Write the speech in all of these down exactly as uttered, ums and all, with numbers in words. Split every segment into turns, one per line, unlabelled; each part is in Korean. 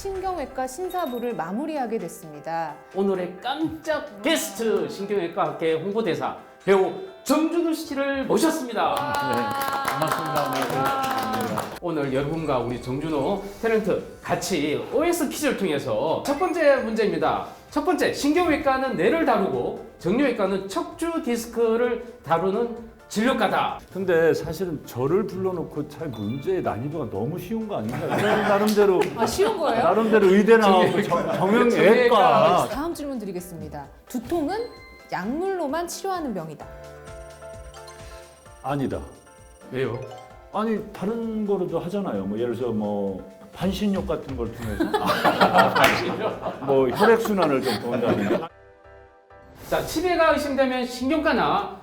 신경외과 신사부를 마무리하게 됐습니다.
오늘의 깜짝 게스트 신경외과 학계 홍보대사 배우 정준우 씨를 모셨습니다.
네, 반갑습니다. 네,
오늘 여러분과 우리 정준호 탤런트 같이 오엑스 퀴즈를 통해서 첫 번째 문제입니다. 첫 번째, 신경외과는 뇌를 다루고 정형외과는 척추 디스크를 다루는 진료과다.
근데 사실은 저를 불러놓고 잘 문제의 난이도가 너무 쉬운 거 아닌가요? 저는 나름대로
아, 쉬운 거예요?
나름대로 의대 나오고 정형외과.
다음 질문 드리겠습니다. 두통은 약물로만 치료하는 병이다.
아니다.
왜요?
아니 다른 거로도 하잖아요. 뭐 예를 들어서 뭐 반신욕 같은 걸 통해서 뭐 혈액 순환을 좀 도운다든가.
자, 치매가 의심되면 신경과나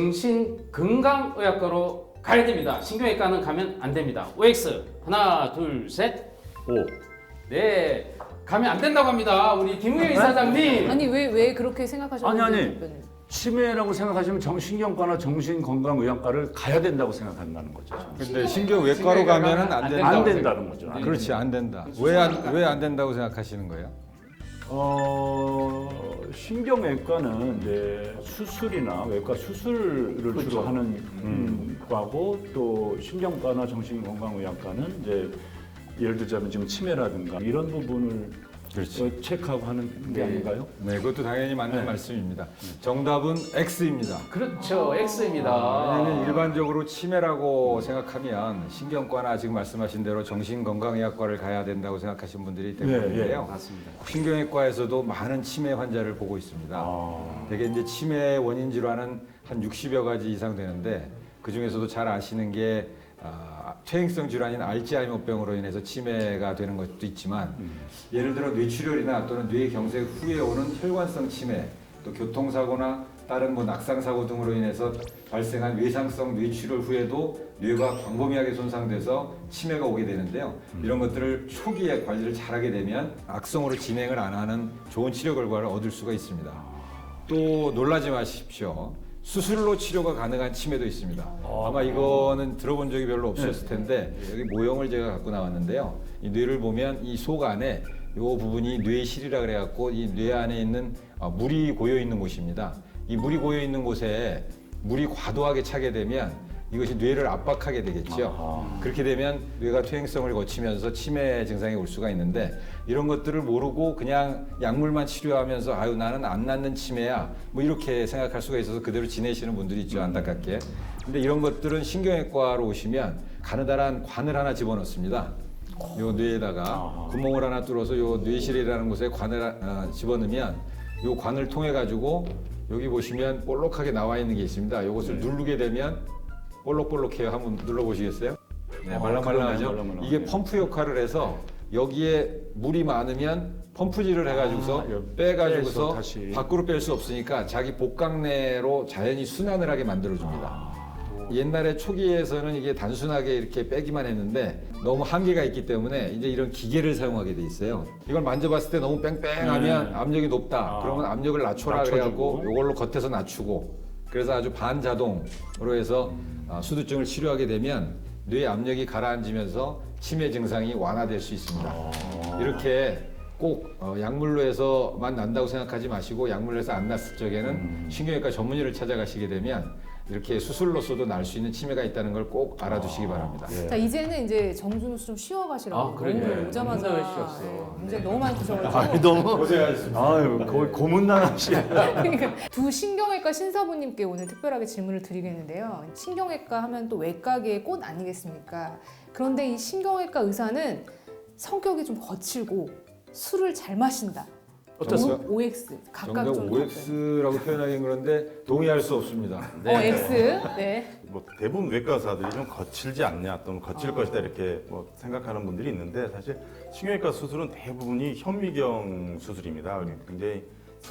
정신건강의학과로 가야 됩니다. 신경외과는 가면 안 됩니다. 오엑스 하나 둘 셋.
오.
네, 가면 안 된다고 합니다. 우리 김우영 이사장님.
아니 왜 왜 그렇게 생각하셨는지
아니, 아니.
답변을.
치매라고 생각하시면 정신경과나 정신건강의학과를 가야 된다고 생각한다는 거죠.
근데 신경외과로 가면은 안 된다.
안 된다는 거죠.
네.
그렇지, 안 된다. 왜 안 왜 안 된다고 생각하시는 거예요?
어, 신경외과는 이제 수술이나 외과 수술을
그렇죠.
주로 하는 음. 과고, 또 신경과나 정신건강의학과는 이제 예를 들자면 지금 치매라든가 이런 부분을
그렇지.
어, 체크하고 하는 게
네.
아닌가요?
네, 그것도 당연히 맞는
네.
말씀입니다. 정답은 X입니다.
그렇죠, X입니다.
왜냐하면 일반적으로 치매라고 생각하면 신경과나 지금 말씀하신 대로 정신건강의학과를 가야 된다고 생각하시는 분들이 대부분인데요.
맞습니다.
신경외과에서도 많은 치매 환자를 보고 있습니다.
아.
되게 이제 치매 원인 질환은 한 육십여 가지 이상 되는데 그 중에서도 잘 아시는 게 아, 퇴행성 질환인 알츠하이머병으로 인해서 치매가 되는 것도 있지만
음.
예를 들어 뇌출혈이나 또는 뇌경색 후에 오는 혈관성 치매, 또 교통사고나 다른 뭐 낙상사고 등으로 인해서 발생한 외상성 뇌출혈 후에도 뇌가 광범위하게 손상돼서 치매가 오게 되는데요. 이런 것들을 초기에 관리를 잘하게 되면 악성으로 진행을 안 하는 좋은 치료 결과를 얻을 수가 있습니다. 또 놀라지 마십시오. 수술로 치료가 가능한 치매도 있습니다. 아마 이거는 들어본 적이 별로 없으셨을 텐데 여기 모형을 제가 갖고 나왔는데요. 이 뇌를 보면 이 속 안에 이 부분이 뇌실이라 그래갖고 이 뇌 안에 있는 어, 물이 고여 있는 곳입니다. 이 물이 고여 있는 곳에 물이 과도하게 차게 되면 이것이 뇌를 압박하게 되겠죠.
아하.
그렇게 되면 뇌가 퇴행성을 거치면서 치매 증상이 올 수가 있는데 이런 것들을 모르고 그냥 약물만 치료하면서 아유 나는 안 낫는 치매야 뭐 이렇게 생각할 수가 있어서 그대로 지내시는 분들이 있죠, 안타깝게. 근데 이런 것들은 신경외과로 오시면 가느다란 관을 하나 집어넣습니다. 요 뇌에다가 구멍을 하나 뚫어서 요 뇌실이라는 곳에 관을 어, 집어넣으면 요 관을 통해 가지고 여기 보시면 볼록하게 나와 있는 게 있습니다. 요것을 누르게 되면 볼록볼록해요. 한번 눌러보시겠어요? 네,
어,
말랑말랑하죠?
그러네, 말랑말랑하네.
이게 펌프 역할을 해서 여기에 물이 많으면 펌프질을 해가지고서
아, 여-
빼가지고서
빼서 다시.
밖으로 뺄 수 없으니까 자기 복강내로 자연히 순환을 하게 만들어줍니다.
아.
옛날에 초기에서는 이게 단순하게 이렇게 빼기만 했는데 너무 한계가 있기 때문에 이제 이런 기계를 사용하게 돼 있어요. 이걸 만져봤을 때 너무 뺑뺑하면
네.
압력이 높다.
아.
그러면 압력을 낮춰라
낮춰주고.
그래갖고 이걸로 겉에서 낮추고 그래서 아주 반자동으로 해서 아, 수두증을 치료하게 되면 뇌 압력이 가라앉으면서 치매 증상이 완화될 수 있습니다.
아.
이렇게 꼭 어, 약물로 해서만 난다고 생각하지 마시고 약물로 해서 안 났을 적에는
음.
신경외과 전문의를 찾아가시게 되면 이렇게 수술로서도 날 수 있는 치매가 있다는 걸 꼭 알아두시기 바랍니다.
예.
자 이제는 이제 정준우 씨 좀 쉬어가시라고.
아, 그러게요.
오늘 오자마자
너무 쉬었어.
네, 문제 너무 많이 드셔가지고.
아니, 너무
고생하셨습니다.
아유 거의 고문난하시.
그러니까 두 신경외과 신사부님께 오늘 특별하게 질문을 드리겠는데요. 신경외과 하면 또 외과계의 꽃 아니겠습니까? 그런데 이 신경외과 의사는 성격이 좀 거칠고 술을 잘 마신다.
어떻습니까?
오 엑스 각각
정답
좀
오엑스라고 표현하기는 그런데 동의할 수 없습니다.
답변. 어 X. 네.
뭐 대부분 외과 의사들이 좀 거칠지 않냐 또는 거칠 것이다 이렇게 뭐 생각하는 분들이 있는데 사실 신경외과 수술은 대부분이 현미경 수술입니다. 굉장히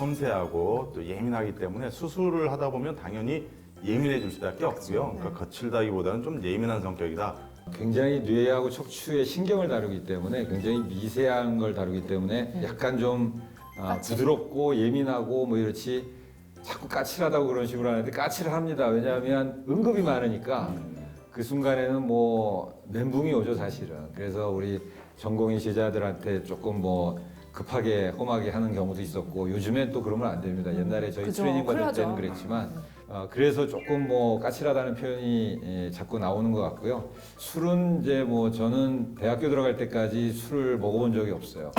섬세하고 또 예민하기 때문에 수술을 하다 보면 당연히 예민해질 수밖에 없고요. 그러니까 거칠다기보다는 좀 예민한 성격이다.
굉장히 뇌하고 척추의 신경을 다루기 때문에 굉장히 미세한 걸 다루기 때문에 약간 좀 아,
까칠?
부드럽고 예민하고 뭐 이렇지 자꾸 까칠하다고 그런 식으로 하는데 까칠을 합니다. 왜냐하면 응급이 많으니까 그 순간에는 뭐 멘붕이 오죠 사실은. 그래서 우리 전공의 제자들한테 조금 뭐 급하게 험하게 하는 경우도 있었고 요즘엔 또 그러면 안 됩니다. 옛날에 저희
그죠,
트레이닝 받을
큰일
때는
나죠.
그랬지만 어, 그래서 조금 뭐 까칠하다는 표현이 예, 자꾸 나오는 것 같고요. 술은 이제 뭐 저는 대학교 들어갈 때까지 술을 먹어본 적이 없어요.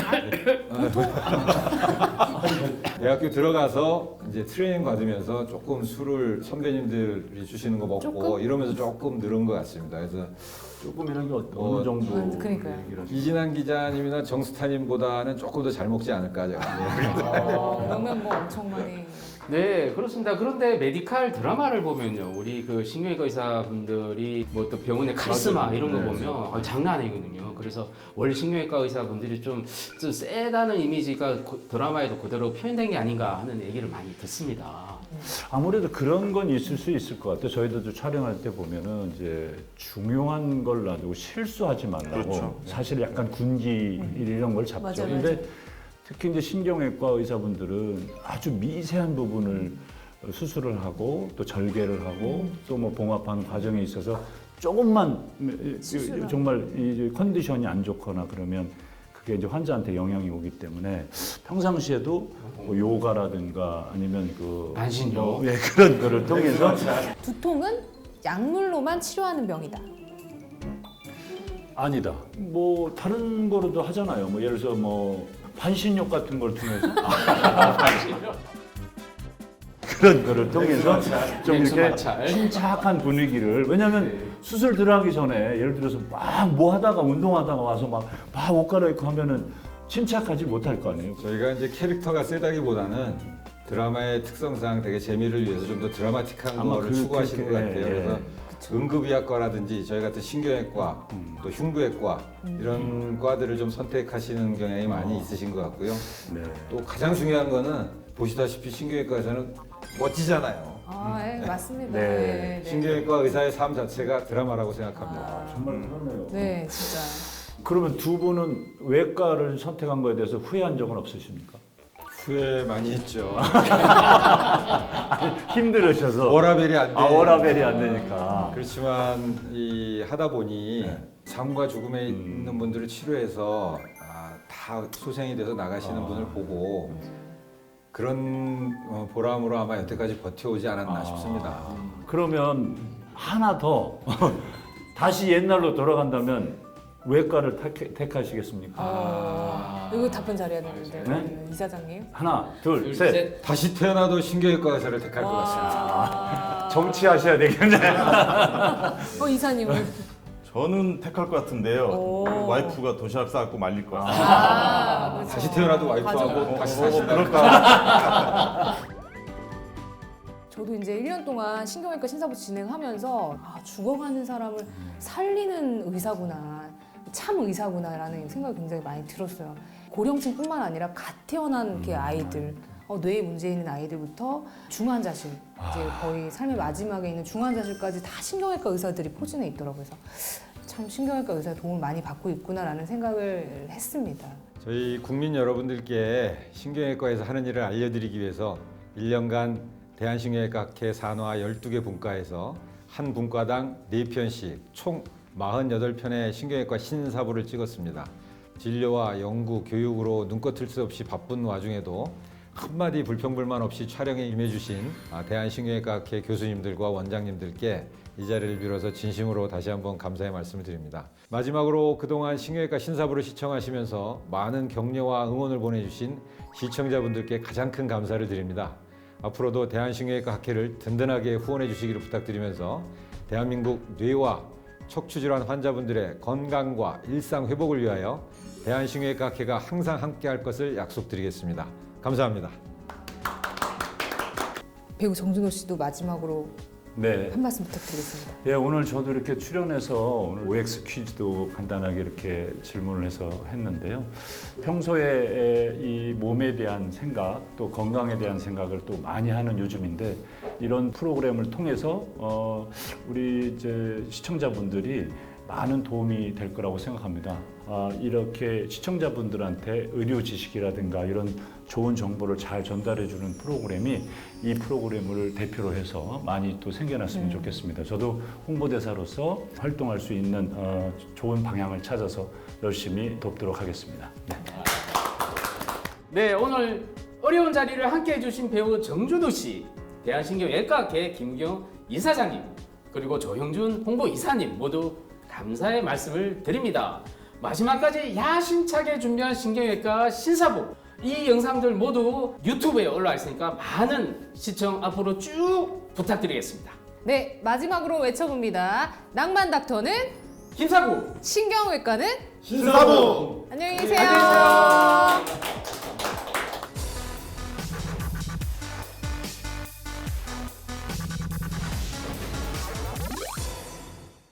대학교 들어가서 이제 트레이닝 받으면서 조금 술을 선배님들이 주시는 거 먹고
조금?
이러면서 조금 늘은 것 같습니다. 그래서
조금이라는 게 어-
어,
어느 정도
어, 그러니까요.
얘기를 하시나요?
이진환 기자님이나 정스타님보다는 조금 더 잘 먹지 않을까 제가.
어, 그러면 뭐 엄청 많이.
네, 그렇습니다. 그런데 메디칼 드라마를 보면요, 우리 그 신경외과 의사분들이 뭐 또 병원의 카리스마
맞아요.
이런 거
네.
보면 아, 장난 아니거든요. 그래서 원래 신경외과 의사분들이 좀, 좀 세다는 이미지가 고- 드라마에도 그대로 표현된 게 아닌가 하는 얘기를 많이 듣습니다.
아무래도 그런 건 있을 수 있을 것 같아요. 저희들도 촬영할 때 보면은 이제 중요한 걸 놔두고 실수하지 말라고
그렇죠.
사실 약간 군기 이런 걸 잡죠.
맞아요,
근데 특히 이제 신경외과 의사분들은 아주 미세한 부분을 수술을 하고 또 절개를 하고 또 뭐 봉합하는 과정에 있어서 조금만
실수를
정말 이 컨디션이 안 좋거나 그러면 그게 이제 환자한테 영향이 오기 때문에 평상시에도 뭐 요가라든가 아니면 그
반신욕.
뭐, 예, 그런 거를 통해서
두통은 약물로만 치료하는 병이다.
아니다. 뭐 다른 거로도 하잖아요. 뭐 예를 들어서 뭐 반신욕 같은 걸 통해서 그런 거를 통해서 좀
냉수
이렇게
마찰.
침착한 분위기를 왜냐하면
네.
수술 들어가기 전에 예를 들어서 막 뭐 하다가 운동하다가 와서 막 막 옷 갈아입고 하면은 침착하지 못할 거 아니에요.
저희가 이제 캐릭터가 세다기보다는 드라마의 특성상 되게 재미를 위해서 좀 더 드라마틱한
아마
거를
그-
추구하시는
그-
것
예,
같아요.
예.
그래서 응급의학과라든지 저희 같은 신경외과,
음.
또 흉부외과 이런 과들을 좀 선택하시는 경향이 많이 있으신 것 같고요.
네.
또 가장 중요한 거는 보시다시피 신경외과에서는 멋지잖아요.
아, 예, 맞습니다.
네.
네, 네.
신경외과 의사의 삶 자체가 드라마라고 생각합니다.
아,
정말 그러네요.
네, 진짜.
그러면 두 분은 외과를 선택한 거에 대해서 후회한 적은 없으십니까?
후회 많이 했죠.
힘들으셔서
워라벨이 안 돼.
아 워라벨이 안 되니까.
그렇지만 이 하다 보니
네.
삶과 죽음에
음.
있는 분들을 치료해서 아, 다 소생이 돼서 나가시는
아.
분을 보고 그런 어, 보람으로 아마 여태까지 버텨오지 않았나
아.
싶습니다.
그러면 하나 더 다시 옛날로 돌아간다면 외과를 택, 택하시겠습니까?
아, 이거 답변 잘해야 되는데
네?
그러면 이사장님.
하나, 둘,
둘,
셋.
셋.
다시 태어나도 신경외과 의사를 택할 것 같습니다.
와.
정치하셔야 되겠네.
어 이사님은.
저는 택할 것 같은데요.
오.
와이프가 도시락 싸갖고 말릴 것 같아요.
아, 그렇죠.
다시 태어나도 와이프하고
맞아요.
다시
어,
사신다.
그럴까?
저도 이제 일 년 동안 신경외과 신사부 진행하면서 아, 죽어가는 사람을 살리는 의사구나, 참 의사구나라는 생각이 굉장히 많이 들었어요. 고령층뿐만 아니라 갓 태어난 이렇게 아이들, 어, 뇌에 문제 있는 아이들부터 중환자실, 이제 거의 삶의 마지막에 있는 중환자실까지 다 신경외과 의사들이 포진해 있더라고요. 그래서 참 신경외과 의사 도움을 많이 받고 있구나라는 생각을 했습니다.
저희 국민 여러분들께 신경외과에서 하는 일을 알려드리기 위해서 일 년간 대한신경외과학회 산하 열두 개 분과에서 한 분과당 네 편씩 총 사십팔 편의 신경외과 신사부를 찍었습니다. 진료와 연구, 교육으로 눈꺼 틀 새 없이 바쁜 와중에도 한마디 불평불만 없이 촬영에 임해주신 대한신경외과학회 교수님들과 원장님들께 이 자리를 빌어서 진심으로 다시 한번 감사의 말씀을 드립니다. 마지막으로 그동안 신경외과 신사부를 시청하시면서 많은 격려와 응원을 보내주신 시청자분들께 가장 큰 감사를 드립니다. 앞으로도 대한신경외과 학회를 든든하게 후원해 주시기를 부탁드리면서 대한민국 뇌와 척추질환 환자분들의 건강과 일상 회복을 위하여 대한신경외과 학회가 항상 함께할 것을 약속드리겠습니다. 감사합니다.
배우 정준호 씨도 마지막으로
네.
한 말씀 부탁드리겠습니다.
예, 오늘 저도 이렇게 출연해서 오늘 오엑스 퀴즈도 간단하게 이렇게 질문을 해서 했는데요. 평소에 이 몸에 대한 생각, 또 건강에 대한 생각을 또 많이 하는 요즘인데 이런 프로그램을 통해서 어, 우리 이제 시청자분들이 많은 도움이 될 거라고 생각합니다. 아, 이렇게 시청자분들한테 의료 지식이라든가 이런 좋은 정보를 잘 전달해주는 프로그램이 이 프로그램을 대표로 해서 많이 또 생겨났으면
네.
좋겠습니다. 저도 홍보대사로서 활동할 수 있는 어, 좋은 방향을 찾아서 열심히 돕도록 하겠습니다. 네.
네, 오늘 어려운 자리를 함께 해주신 배우 정준호 씨, 대한신경외과학회 김경 이사장님, 그리고 조형준 홍보이사님 모두 감사의 말씀을 드립니다. 마지막까지 야심차게 준비한 신경외과 신사부, 이 영상들 모두 유튜브에 올라와 있으니까 많은 시청 앞으로 쭉 부탁드리겠습니다.
네, 마지막으로 외쳐봅니다. 낭만 닥터는
김사부!
신경외과는
신사부!
안녕히 계세요.
안녕히 계세요.